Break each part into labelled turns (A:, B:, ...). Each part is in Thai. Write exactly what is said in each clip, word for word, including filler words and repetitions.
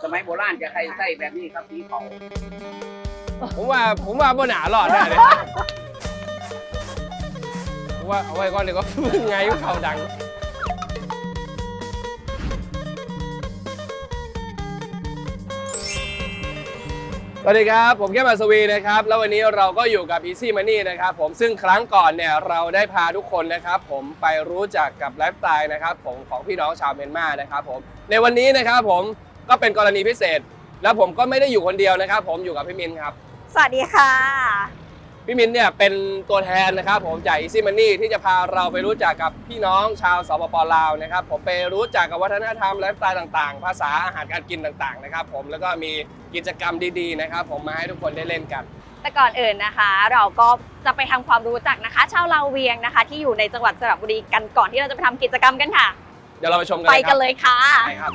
A: สมัยโบราณจะใครใส่แบบนี้ครับสีเขา
B: ผมว่าผมว่าบ่หนาหลอดได้เลยผมว่าเอาไว้ก่อนเลยก็ไงเขาดังสวัสดีครับผมแค่มาสวีนะครับแล้ววันนี้เราก็อยู่กับ Easy Money นะครับผมซึ่งครั้งก่อนเนี่ยเราได้พาทุกคนนะครับผมไปรู้จักกับไลฟ์สไตล์นะครับผมของพี่น้องชาวเมียนมานะครับผมในวันนี้นะครับผมก็เป็นกรณีพิเศษแล้วผมก็ไม่ได้อยู่คนเดียวนะครับผมอยู่กับพี่มินครับ
C: สวัสดีค่ะ
B: พี่มินเนี่ยเป็นตัวแทนนะครับผมจาก Easy Money ที่จะพาเราไปรู้จักกับพี่น้องชาวสปป.ลาวนะครับผมไปรู้จักกับวัฒนธรรมไลฟ์สไตล์ต่างๆภาษาอาหารการกินต่างๆนะครับผมแล้วก็มีกิจกรรมดีๆนะครับผมมาให้ทุกคนได้เล่นกัน
C: แต่ก่อนอื่นนะคะเราก็จะไปทำความรู้จักนะคะชาวลาวเวียงนะคะที่อยู่ในจังหวัดสระบุรีกันก่อนที่เราจะไปทำกิจกรรมกันค่ะ
B: เดี๋ยวเราไปชมกัน
C: ไปกันเลยค่ะ
B: ไปครับ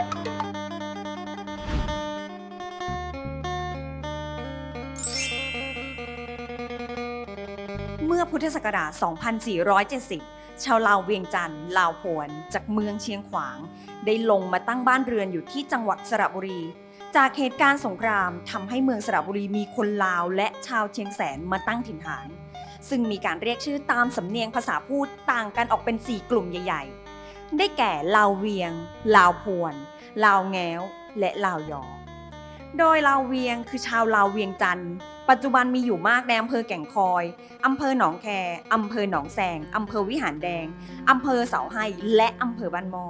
D: เมื่อพุทธศักราช สองพันสี่ร้อยเจ็ดสิบ ชาวลาวเวียงจันทร์ลาวพวนจากเมืองเชียงขวางได้ลงมาตั้งบ้านเรือนอยู่ที่จังหวัดสระบุรี จากเหตุการณ์สงครามทำให้เมืองสระบุรีมีคนลาวและชาวเชียงแสนมาตั้งถิ่นฐาน ซึ่งมีการเรียกชื่อตามสำเนียงภาษาพูดต่างกันออกเป็นสี่กลุ่มใหญ่ๆได้แก่ลาวเวียงลาวพวนลาวแง้วและลาวยอโดยลาวเวียงคือชาวลาวเวียงจันทร์ปัจจุบันมีอยู่มากในอำเภอแก่งคอยอำเภอหนองแคอำเภอหนองแสงอำเภอวิหารแดงอำเภอเสาให้และอำเภอบ้านหม้อ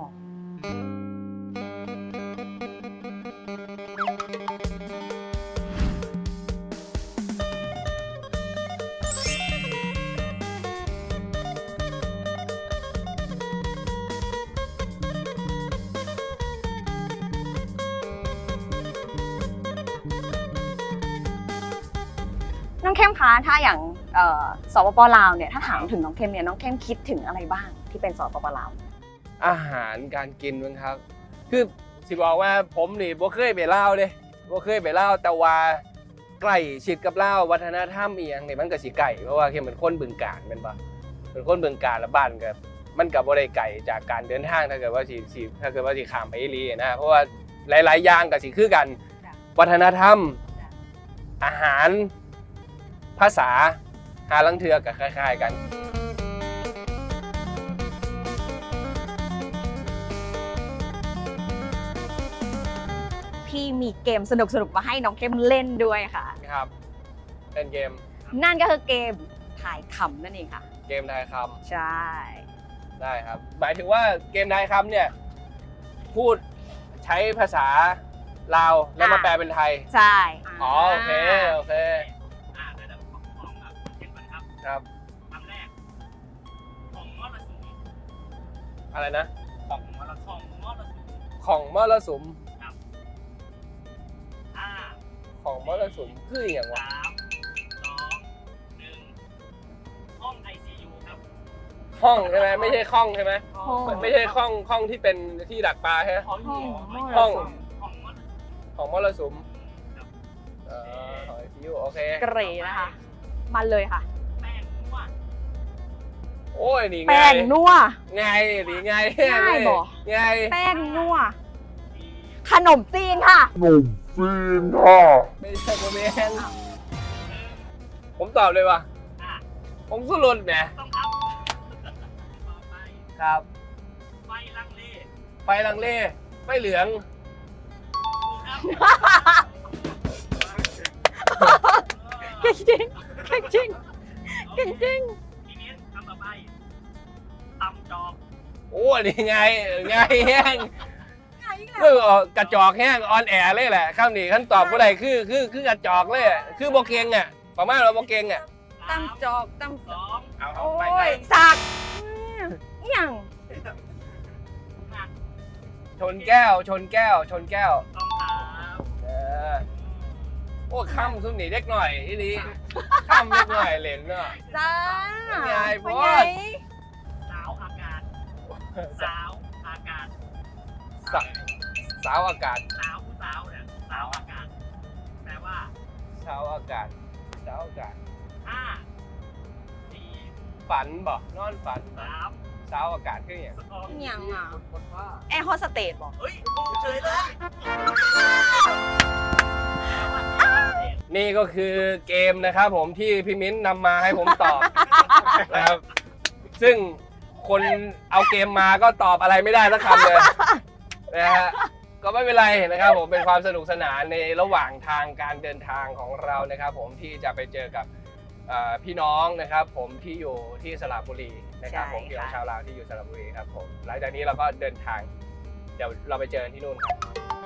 C: น้องเข้มคะถ้าอย่างสปป.ลาวเนี่ยถ้าถามถึงน้องเข้มเนี่ยน้องเข้มคิดถึงอะไรบ้างที่เป็นสปป.ลาว
B: อาหารการกินมั้งครับคือสิบอกว่าผมนี่บ่เคยไปลาวเลยบ่เคยไปลาวแต่ว่าใกล้ชิดกับลาววัฒนธรรมอีหยังนี่มันก็สิไกลเพราะว่าเข้มเป็นคนบึงกาฬแม่นบ่เป็นคนบึงกาฬแล้วบ้านก็มันก็บ่ได้ไกลจากการเดินทางถ้าเกิดว่าสิสิถ้าเกิดว่าสิข้ามไปอีหลีนะเพราะว่าหลายๆอย่างก็สิคือกันวัฒนธรรมอาหารภาษาหาลังเทือกับคล้ายๆกัน
C: พี่มีเกมสนุกๆมาให้น้องเข้มเล่นด้วยค่ะ
B: ครับเล่นเกม
C: นั่นก็คือเกมทายคำนั่นเองค่ะ
B: เกมทายค
C: ำใช่
B: ได้ครับหมายถึงว่าเกมทายคำเนี่ยพูดใช้ภาษาลาวแล้วมาแปลเป็นไทย
C: ใช่
B: อ๋อโอเคโอเคครับ
A: คำแรกของมรสุม
B: อะไรนะ
A: ของมรสุมมรสุม
B: ของมรสุม
A: ครับห้า
B: ของมรสุมคืออย่างวะ
A: สามสองหนึ่งห้อง ไอ ซี ยู ครับ
B: ห้องใช่ไหมไม่ใช่ห้องใช่ไหมไม่ใช่ห้องห้องที่เป็นที่ดักปลาใช่ไหม
A: ห้อง
B: ห้อง
A: ของมรสุม
B: ของมรสุมเอ่อของ ไอ ซี ยู โอเค
C: เกรดนะคะมาเลยค่ะ
B: โอ้ยนี่ไง
C: แป้งนัว
B: ไงนี่ไง
C: ง่ายบ่
B: ไง
C: แป้งนัวขนมจีนค่ะ
B: ขนมจีนค่ะไม่ใช่โมเมนต์ผมตอบเลยว่ะผมสุรุนแหม
A: ต้องครับต่อไป
B: ครับ
A: ไฟลังเล
B: ไฟลังเลไฟเหลือง
C: เก่งจริงเก่งจริงเก่งจริง
A: ตำจอก
B: โอ้นี่ไงไงแห้งเมื่อกระจอกแห้งออนแอร์เลยแหละคำนี้ขั้นตอบก็ได้คือคือคือกระจอกเลยคือโบเกงอ่ะประมาณเราโบเกงอ่ะ
C: ตำจอกตำ
A: สอง
B: เอา
C: โอ้
B: ไป
C: ยสักอย่าง
B: ชนแก้วชนแก้วชนแก้ว
A: ต้องถาม
B: เออโอ้ข้ามซุ่มหนีเด็กหน่อยอีนี้ข้ามเด็กหน่อยเหรนเนาะ
C: จ้า
B: ไงพ่อ
A: สาวอากาศสาวอากาศ
B: สาวอากาศ
A: สาวผู้สาวเนี่ยสาวอากาศแปลว่า
B: สาวอากาศสาวอากาศ
A: ห้าสี่
B: ฝันบอกนอนฝัน
A: สาม
B: สาวอากาศคืออย่าง
C: อย่างอ่ะแอร์โฮสเตสบอก
A: เฮ้ยเฉยเลย
B: นี่ก็คือเกมนะครับผมที่พี่มิ้นนำมาให้ผมตอบ นะครับซึ่งคนเอาเกมมาก็ตอบอะไรไม่ได้สักคำเลยนะฮะก็ไม่เป็นไรนะครับผมเป็นความสนุกสนานในระหว่างทางการเดินทางของเรานะครับผมที่จะไปเจอกับพี่น้องนะครับผมที่อยู่ที่สระบุรีนะครับผมพี่น้องชาวลาวที่อยู่สระบุรีครับผมหลังจากนี้เราก็เดินทางเดี๋ยวเราไปเจอกันที่นู่นครับ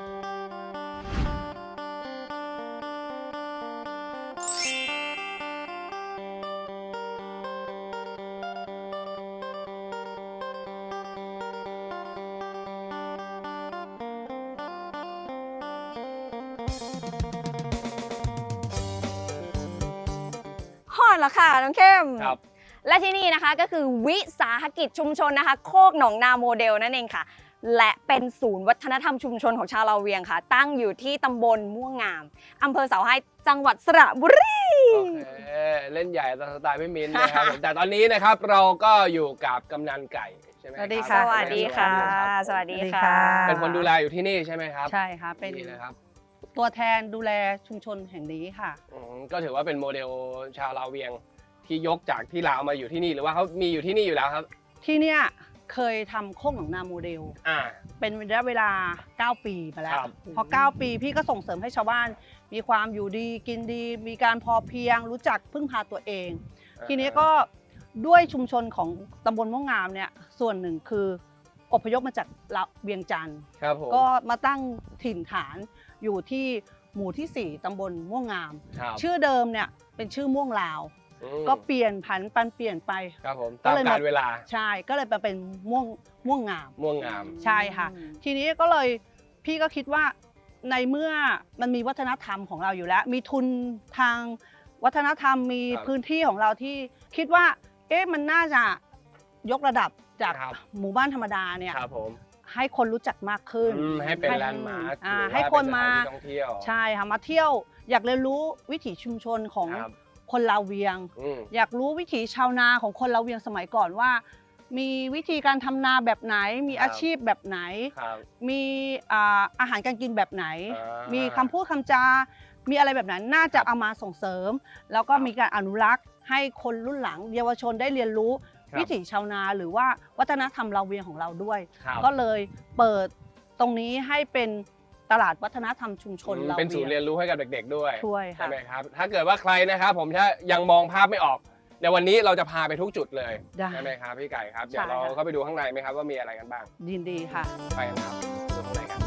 C: ฮอดแล้วค่ะน้องเข้ม
B: ครับ
C: และที่นี่นะคะก็คือวิสาหกิจชุมชนนะคะโคกหนองนาโมเดลนั่นเองค่ะและเป็นศูนย์วัฒนธรรมชุมชนของชาวลาวเวียงค่ะตั้งอยู่ที่ตำบลม่วงงามอำเภอเสาให้จังหวัดสระบุรี
B: โอเคเล่นใหญ่ตามสไตล์พี่มิ้นนะครับผมแต่ตอนนี้นะครับเราก็อยู่กับกำนันไก่ใช่ไหม
E: สวัสดี
B: รับ
E: ค่ะ
C: สวัสดีค่ะ สวัสดีค่ะ
B: เป็นคนดูแลอยู่ที่นี่ใช่ไหมครับ
E: ใช่ค่ะเป็น
B: นี่นะครับ
E: ตัวแทนดูแลชุมชนแห่งนี้ค่ะ
B: อืมก็ถือว่าเป็นโมเดลชาวลาวเวียงที่ยกจากที่ลาวมาอยู่ที่นี่หรือว่าเขามีอยู่ที่นี่อยู่แล้วครับ
E: ที่เนี่ยเคยทำโคกหนองนาโมเดล
B: อ่า
E: เป็นระยะเวลาเก้าปีมาแล้ว
B: ครับ
E: พอเก้าปีพี่ก็ส่งเสริมให้ชาวบ้าน มีความอยู่ดีกินดี มีการพอเพียงรู้จักพึ่งพาตัวเอง ทีนี้ก็ด้วยชุมชนของตำบลม่วงงามเนี่ยส่วนหนึ่งคืออพยพมาจากเวียงจันทร์
B: ครับผม
E: ก็มาตั้งถิ่นฐานอยู่ที่หมู่ที่สี่ตำบลม่วงงาม
B: ครับ
E: ชื่อเดิมเนี่ยเป็นชื่อม่วงลาว
B: อืม
E: ก็เปลี่ยนผันปันเปลี่ยนไป
B: ครับผม
E: ก็
B: ตาม
E: เลย
B: กา
E: มา
B: รเวลา
E: ใช่ก็เลยมาเป็นม่วงม่วงงาม
B: ม่วงงาม
E: ใช่ค่ะ ทีนี้ก็เลยพี่ก็คิดว่าในเมื่อมันมีวัฒนธรรมของเราอยู่แล้ว มีทุนทางวัฒนธรรมมี
B: ครับ
E: พื้นที่ของเราที่คิดว่าเอ๊ะมันน่าจะยกระดับจาก
B: ครับ
E: หมู่บ้านธรรมดาเนี่ย
B: ครับผม
E: ให้คนรู้จักมากขึ้น
B: อืมให้เป็น
E: ให้
B: แลนด์มาร์ค
E: อ่า
B: รือว่า
E: ให้คนมา
B: เป็นสถนที่ท่องเที่ยว
E: ใช่ค่ะมาเที่ยวอยากเรียนรู้วิถีชุมชนของ
B: ครับ
E: คนลาวเวียง
B: อืม
E: อยากรู้วิถีชาวนาของคนลาวเวียงสมัยก่อนว่า มีวิธีการทำนาแบบไหน มี
B: ครับ
E: อาชีพแบบไหน
B: ครับ
E: มีอ่าอาหารการกินแบบไหน
B: อ่า
E: มีคำพูดคำจา มีอะไรแบบนั้นน่าจะ
B: ครับ
E: เอามาส่งเสริม แล้วก็
B: ครับ
E: มีการอนุรักษ์ให้คนรุ่นหลัง เยาวชนได้เรียนรู้
B: ครับ
E: วิถีชาวนาหรือว่าวัฒนธรรมลาวเวียงของเราด้วย
B: ครับ
E: ก็เลยเปิดตรงนี้ให้เป็นตลาดวัฒนธรรมชุมชน
B: อืม
E: ลาว
B: เป็นศูนย์
E: เวี
B: เรี
E: ย
B: ย
E: ง
B: นรู้ให้กับเด็กๆด้วย
E: ช่วย
B: ใช่
E: ค่ะ
B: ไหมครับ ถ้าเกิดว่าใครนะครับผมถ้ายังมองภาพไม่ออกในวันนี้เราจะพาไปทุกจุดเลย
E: ได้
B: ใช่ไหมครับพี่ไก่ครับ
E: ใช่
B: เดี๋ยวเรา
E: ค่ะ
B: เข้าไปดูข้างในไหมครับว่ามีอะไรกันบ้าง
E: ยินดีค่ะ
B: ไปกันครับดูข้างในกัน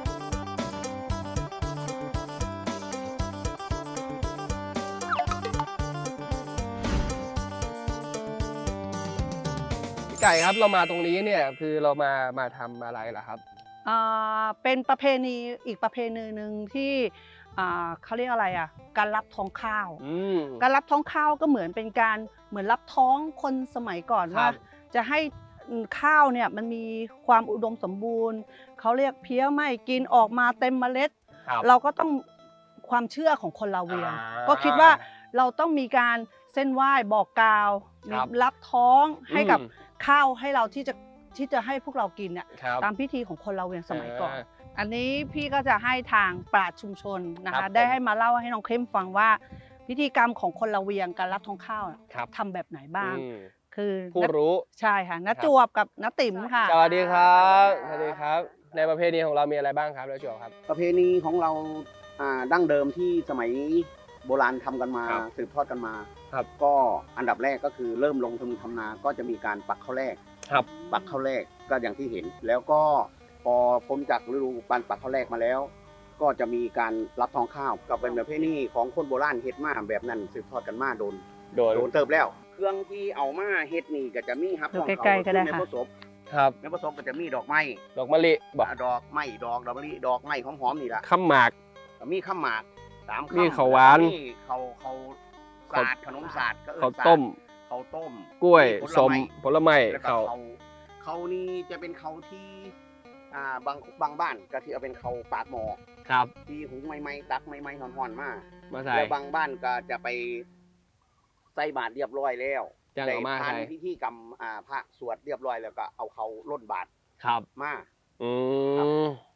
B: พี่ไก่ครับเรามาตรงนี้เนี่ยคือเรามามาทำอะไรล่ะครับ
E: อ่าเป็นประเพณีอีกประเพณีหนึ่งที่อ่าเขาเรียกอะไรอ่ะการรับท้องข้าว
B: อืม
E: การรับท้องข้าวก็เหมือนเป็นการเหมือนรับท้องคนสมัยก่อน
B: ครับ
E: ว่า จะให้ข้าวเนี่ยมันมีความอุดมสมบูรณ์เขาเรียกเพี้ยไม่กินออกมาเต็มเมล็ด
B: ครับ
E: เราก็ต้องความเชื่อของคนลาวเวียง
B: อ่า
E: ก็คิดว่าเราต้องมีการเส้นไหว้บอกกล่าว
B: ครับ
E: มีรับท้องให้กับ
B: อืม
E: ข้าวให้เราที่จะที่จะให้พวกเรากินเนี่ย
B: ครับ
E: ตามพิธีของคนลาวเวียงสมัยก่อน
B: อ่า
E: อันนี้พี่ก็จะให้ทางปราชญ์ชุมชนนะ
B: ครั
E: คะ
B: บผม
E: ได้ให้มาเล่าให้น้องเข้มฟังว่า พิธีกรรมของคนลาวเวียงการรับทองข้าวน่ะ
B: ครับ
E: ทำแบบไหนบ้าง
B: อืม
E: คือ
B: ผู้รู้
E: ใช่ค่ะน้า
B: ครับ
E: จวบกับน้าติ๋มค่ะ
B: สวัสดีครับสวัสดีครับ ในประเพณีของเรามีอะไรบ้างครับแล้วจวบครับ
F: ประเพณีของเราอ่าดั้งเดิมที่สมัยโบราณทำกันมา
B: ครับ
F: สืบทอดกันมา
B: ครับ
F: ก็อันดับแรกก็คือเริ่มลงทุนทำนาก็จะมีการปักข้าวแรก
B: ครับ
F: ปักข้าวแรกก็อย่างที่เห็น แล้วก็พอพ้นจากฤดูการปักข้าวแรกมาแล้ว ก็จะมีการรับทองข้าวก็เป็นประเพณีของคนโบราณเฮ็ดมาแบบนั้นสืบทอดกันมาโดน
B: โดน
F: โดนเติบแล้ว เครื่องที่เอามาเฮ็ดนี่ก็จะมีครับ
E: ดู
F: ของ
E: ใกล้ๆก็ได้
F: ใน
E: ค่ะ
F: ผสม
B: ครับ
F: ในผสมก็จะมีดอกไม้
B: ดอกมะลิบอก
F: ดอกไม้ดอกดอกมะลิดอกไม้หอมๆนี่ล่ะ
B: ข้ามหมาก
F: ก็มีข้าวหมากสาม
B: มี
F: คำ
B: ข้าวหวาน
F: มีข้าวข้าวสาดขนมสาดก็เอิ้น
B: ข้าวต้ม
F: ข้าวต้ม
B: กล้วย
F: ผล
B: สม
F: ไม้
B: ผลไม้
F: แล้วก็
B: เขาว
F: เขาเขานี่จะเป็นเขาที่อ่าบางบางบ้านก็ที่เอาเป็นเขาปากหมอ
B: ครับ
F: ที่หุงใหม่ๆตักใหม่ๆห่อนๆมา
B: มาใส่
F: แล้วบางบ้านก็จะไปใส่บาตรเรียบร้อยแล้ว
B: จังเอามา
F: ได้ทาน
B: ใส่
F: พิธีกรรมอ่าพระสวดเรียบร้อยแล้วก็เอาเขาล้นบาตร
B: ครับ
F: มา
B: อื
F: ครับ
B: ม
F: ก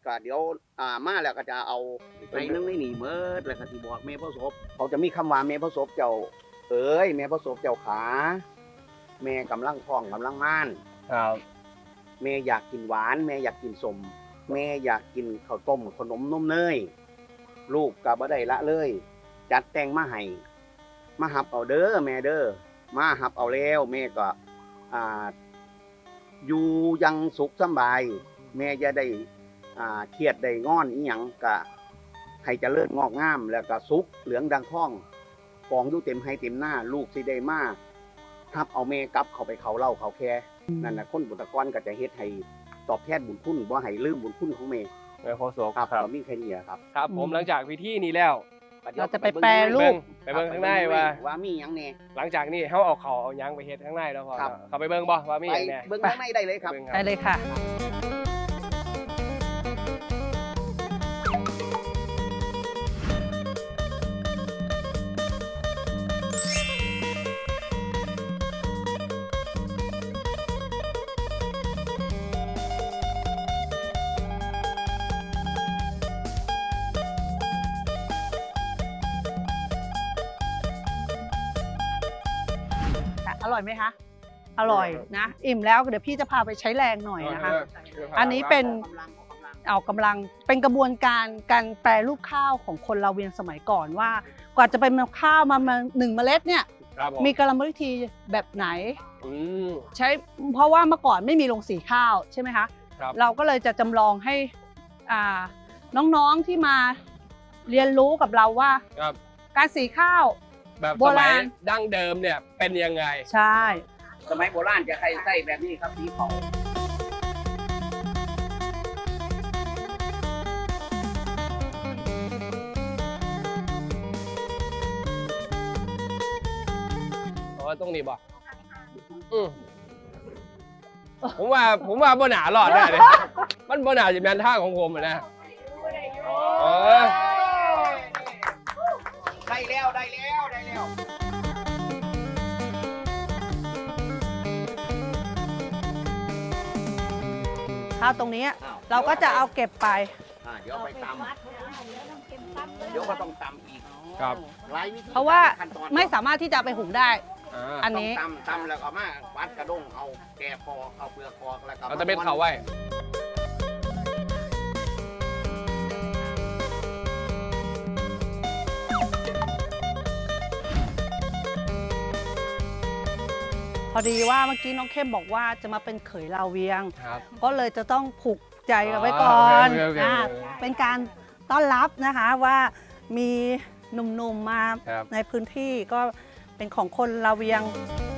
F: ก็เดี๋ยวอ่ามาแล้วก็จะเอาในนึงในนี่เมิดแล้วก็สิบอกแม่พ่อศพเขาจะมีคำว่าแม่พ่อศพเจ้าเอ้ยแม่พ่อศพเจ้าขาแม่กำลังท้องกำลังม่าน
B: ครับ
F: แม่อยากกินหวานแม่อยากกินสมแม่อยากกินข้าวต้มขนมนมเนยลูกก็บ่ได้ละเลย จัดแต่งมาให้มาหับเอาเด้อแม่เด้อมาหับเอาแล้วแม่ก็อ่าอยู่อยังสุขสำบาย แม่จะได้อ่าเครียดได้งอนอีหยังก็ให้เจริญงอกงามแล้วก็สุขเหลืองดังท้องกองอยู่เต็มให้เต็มหน้า ลูกสิได้มาหับเอาแม่กลับเข้าไปเขาเล่าเขาแค่นั่นน่ะคนบุตรกรก็จะเฮ็ดให้ตอบแทนบุญคุณบ่ให้ลืมบุญคุณของแม่
B: แม่โคศก
F: ครับ
B: ครับ
F: ก็มีแค่นี้ครับ
B: ครับผมหลังจากพิธีนี้แล้ว
E: เราจะไปแปรรูป
B: ไปเบิ่งข้างในว่า
F: ว่ามีหยังแน่
B: หลังจากนี้เขาเอาเขาเอาหยังไปเฮ็ดข้างในแล้วพอ
F: ครับ
B: เขาไปเบิ่งบ่ว่ามีห
F: ไป
B: ยังแหน่
F: เบิ่งข้างในได้เลยครับ
B: บิ่ง
E: ไปเลยค่ะ อร่อยไหมคะ อร่อยนะ อิ่มแล้วเดี๋ยวพี่จะพาไปใช้แรงหน่อยนะคะ อันนี้เป็นเอากำลังเป็นกระบวนการการแปรรูปข้าวของคนลาวเวียงสมัยก่อนว่ากว่าจะเป็นข้าวมาหนึ่งเมล็ดเนี่ย
B: ครับผม
E: มีกรรมวิธีแบบไหน
B: อืม
E: ใช้เพราะว่าเมื่อก่อนไม่มีโรงสีข้าวใช่ไหมคะ
B: ครับ
E: เราก็เลยจะจำลองให้อ่าน้องๆที่มาเรียนรู้กับเราว่า
B: ครับ
E: การสีข้าว
B: แบบ
E: โบ
B: สมั
E: ราย ณ
B: ดั้งเดิมเนี่ยเป็นยังไง
E: ใช่
F: สมัยโบราณจะใครใส่แบบนี้ครับสีเขา
B: เพราะว่าต้องนี่บ่อืมผมว่าผมว่าบ่หนาหลอดแน่เลย มันบ่หนาจะเป็นท่าของผมอะนะเออ
F: ได้แล้วได้แล้วได้แล้ว
E: ข้าวตรงนี้เราก็จะเอาเก็บไป
F: อ่าเดี๋ยวเอาไปตำเดี๋ยวก็ต้องตำอีก
B: ครับ
F: หลายวิธี
E: เพราะว่า
F: ขั้นตอน
E: ไม่สามารถที่จะเอาไปหุงได้
B: อ่า
E: อันนี้
F: ต้องตำตำแล้วก็เอามาวัดกระด้งเอาแกะคอเอาเปลือกคอแล้วก็
B: เราจะเป็นเขาไว้
E: พอดีว่าเมื่อกี้น้องเข้มบอกว่าจะมาเป็นเขยลาวเวียง
B: ครับ
E: ก็เลยจะต้องผูกใจกันไว้ก่อน
B: โอเคโอเคโอเค
E: อ่าเป็นการต้อนรับนะคะว่ามีหนุ่มๆมา
B: ครับ
E: ในพื้นที่ก็เป็นของคนลาวเวียง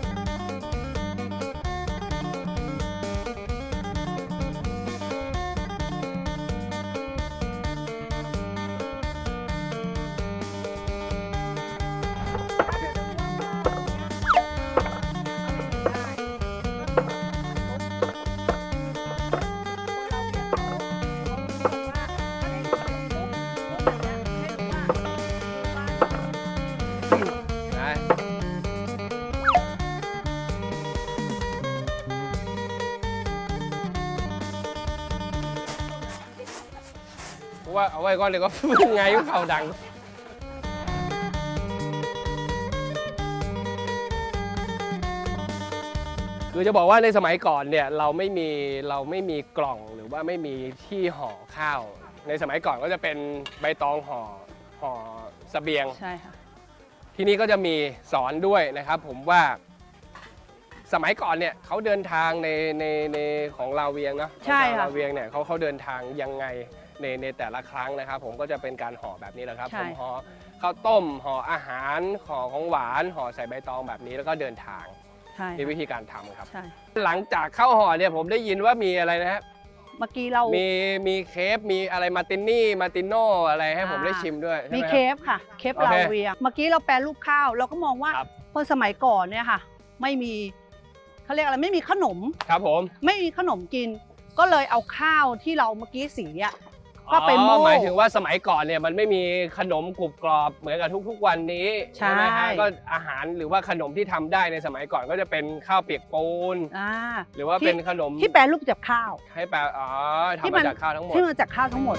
B: นะเพราะว่าเอาไว้ก่อนเดี๋ยวก็ ไงก็เข่าดัง คือจะบอกว่าในสมัยก่อนเนี่ยเราไม่มีเราไม่มีกล่องหรือว่าไม่มีที่ห่อข้าว ในสมัยก่อนก็จะเป็นใบตองห่อห่อเสบียง
E: ใช่ค่ะ
B: ที่นี่ก็จะมีสอนด้วยนะครับ ผมว่าสมัยก่อนเนี่ยเขาเดินทางในในในของลาวเวียงเนาะ
E: ใช่
B: ของชาว
E: ค่ะ
B: ลาวเวียงเนี่ยเขาเขาเดินทางยังไงในในแต่ละครั้งนะครับ ผมก็จะเป็นการห่อแบบนี้แหละครับ
E: ใช่
B: ผมห่อข้าวต้มห่ออาหารห่อของหวานห่อใส่ใบตองแบบนี้แล้วก็เดินทาง
E: ใช่
B: มีวิธีการทำครับ
E: ใช่
B: หลังจากเข้าห่อเนี่ยผมได้ยินว่ามีอะไรนะฮะ
E: เมื่อกี้เรา
B: มีมีเคฟมีอะไรมาตินนี่มาติโน่อะไรให้ผม
E: อ่า
B: ได้ชิมด้วยใช่ไห
E: มี
B: ม
E: เค
B: ครับ
E: ฟค่ะ เคฟ
B: โอเค
E: ลาวเวียง เมื่อกี้เราแปรรูปข้าว เราก็มองว่า
B: ครับ
E: คนสมัยก่อนเนี่ยค่ะ ไม่มีเขาเรียกอะไรไม่มีขนม
B: ครับผม
E: ไม่มีขนมกิน ก็เลยเอาข้าวที่เราเมื่อกี้สีอะก็เป็น
B: อ๋อ
E: โม่
B: หมายถึงว่าสมัยก่อนเนี่ยมันไม่มีขนมกรุบกรอบเหมือนกับทุกๆวันนี้
E: ใช่
B: ไหมฮะก็อาหารหรือว่าขนมที่ทำได้ในสมัยก่อนก็จะเป็นข้าวเปียกปูน
E: อ่า
B: หรือว่าเป็นขนม
E: ที่แปรรูปจากข้าว
B: ให้แปลอ๋อ
E: ที่
B: ทำ
E: มั
B: มาน จากข้าวทั้งหมด
E: ที่มาจากข้าวทั้งหมด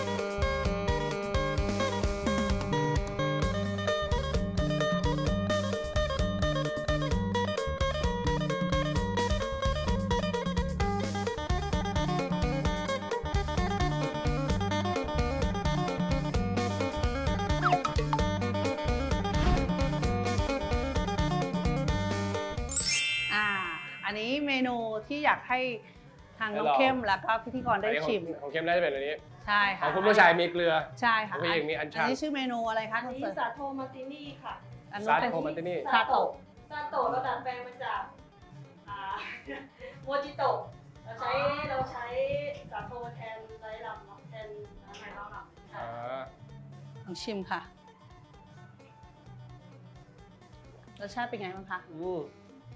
E: อ่า อันนี้เมนูที่อยากให้ทางน้อง
B: ให้ลอง
E: เข้มแล้วก็พิธีกรได้
B: อันนี้ของ
E: ชิม
B: ของเข้มน่าจะเป็นอันนี้
E: ใช่
B: ข
E: ค่ะ
B: องคุณผู้ชายมีเกลือ
E: ใช่ค่ะ
B: ของผู้หญิงมีอัญชัน
E: อันนี้ชื่อเมนูอะไรคะ
G: อันนี้สาโทมาร์ตินี่ค่ะ
E: อัน
B: ซา
E: นู้นเป็น
B: โทมันตินี่
E: ซาโตะ
G: ซาโตะเราดัดแปลงมาจากอ่า โมจิโตะเราใช้เราใช้สาโทแทนไรลำเนาะแทนน้ำไม้ลำ
B: อ่า
E: ลองชิมค่ะ รสชาติเป็นไงบ้างคะ
B: อืม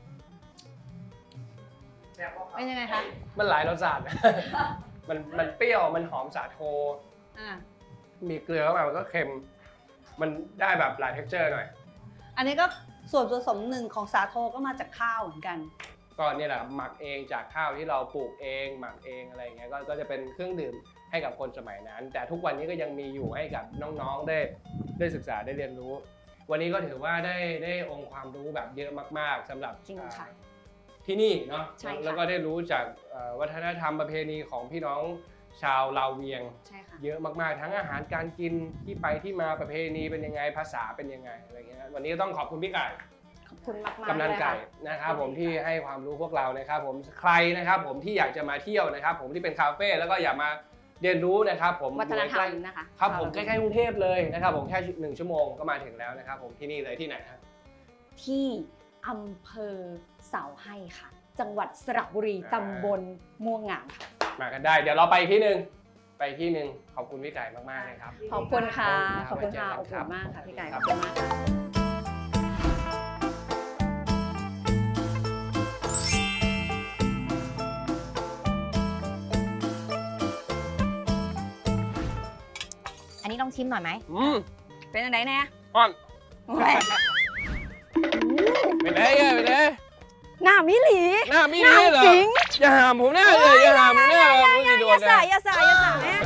E: เป็นยังไงคะ
B: มันหลายรสชาติ มันมันเปรี้ยวมันหอมสาโท
E: อ่า
B: มีเกลือเข้ามามันก็เค็ม มันได้แบบหลายเท็กเจอร์หน่อย
E: อันนี้ก็ส่วนผสมหนึ่งของสาโทก็มาจากข้าวเหมือนกัน
B: ก็เนี่ยแหละครับหมักเองจากข้าวที่เราปลูกเองหมักเองอะไรอย่างเงี้ยก็ก็จะเป็นเครื่องดื่มให้กับคนสมัยนั้น แต่ทุกวันนี้ก็ยังมีอยู่ให้กับน้องๆได้ได้ศึกษาได้เรียนรู้ วันนี้ก็ถือว่าได้ได้องค์ความรู้แบบเยอะมากๆสำหรับ
C: จริงค่ะ
B: อ่าที่นี่เนาะ
C: ใช่ค่ะ
B: แล้วก็ได้รู้จากเอ่อวัฒนธรรมประเพณีของพี่น้องชาวลาวเวียง
C: ใช่ค่ะ
B: เยอะมากๆ ทั้งอาหารการกินที่ไปที่มาประเพณีเป็นยังไงภาษาเป็นยังไงอะไรอย่างเงี้ยนะวันนี้ต้องขอบคุณพี่ไก่
C: ขอบคุณมากๆ
B: กำนัน
C: เลย
B: ไก่
C: ค่ะ
B: นะครับผมที่ให้ความรู้พวกเรานะครับผมใครนะครับผมที่อยากจะมาเที่ยวนะครับผมที่เป็นคาเฟ่แล้วก็อยากมาเรียนรู้นะครับผม
C: วัฒนธรรม
B: อยู่ใกล้
C: นะคะ
B: ครับผมใกล้ๆกรุงเทพเลยนะครับผมแค่หนึ่งชั่วโมงก็มาถึงแล้วนะครับผมที่นี่เลยที่ไหนครับ
C: ที่อำเภอเสาให้ค่ะ จังหวัดสระบุรี
B: อ่า
C: ตำบลม่วงงามค่ะ
B: มากันได้ เดี๋ยวเราไปอีกที่หนึ่งไปที่หนึ่งขอบคุณพี่ไก่มากๆเลยครับ
C: ขอบคุณค่ะ ข
B: ข
C: อ
B: อ
C: บบ
B: คุ
C: คุณ
B: ณ
C: ค่ะ
B: ครับ
C: อบอุ่นมากค่ะพี่ไก่
B: ค
C: ข
B: รั
C: อ
B: บบ
C: คุณมากค่ะ อันนี้ลองชิมหน่อยไหม
B: อืม
C: เป็นอันไหนแน่
B: อ่อน
C: แหม่
B: เป็นไงไงเป็นไง
C: หน้ามิหลี
B: หน้ามี
C: หน้า
B: นี่เหรอ
C: จริง
B: อย่าหามผมหน้าเลยอย่าหามผมหน้าเลย
C: อย่าอย่าอย่าสายอย่าสายอย่าสายแม่